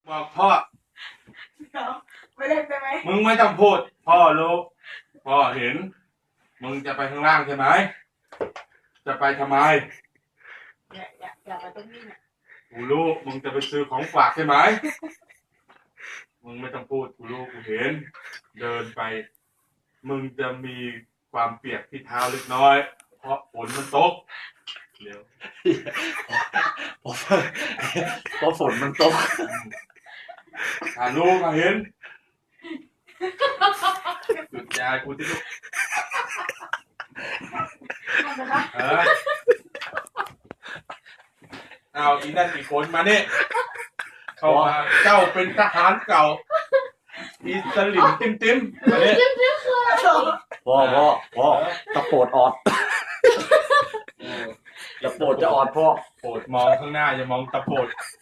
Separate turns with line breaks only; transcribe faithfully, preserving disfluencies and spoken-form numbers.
บอกพ่อ
เดี๋ยวไม่เล่นได้ไหม
มึงไม่ต้องพูดพ่อรู้พ่อเห็นมึงจะไปข้างล่างใช่ไหมจะไปทำไม
อย่าอย่าอย่าไปตรงนี้เนี่ย
กูรู้มึงจะไปซื้อของฝากใช่ไหมมึงไม่ต้องพูดกูรู้กูเห็นเดินไปมึงจะมีความเปียกที่เท้าเล็กน้อยเพราะฝนมันตกเดี๋ยว
เพราะเพราะฝนมันตก
ถ้ารู้ก็เห็นหยุดยายกูที่ลูก
ทำนะคะ
เออเอาอีนั่นอีกคนมาเนี่ยเข้ามาเจ้าเป็นทหารเก่าอีสลิมติ้มติ้มมาเนี่ย
พ่อพ่อพ่อตะโปดออดตะโปดจะออดพ่อ
โปรดมองข้างหน้าอย่ามองตะโปด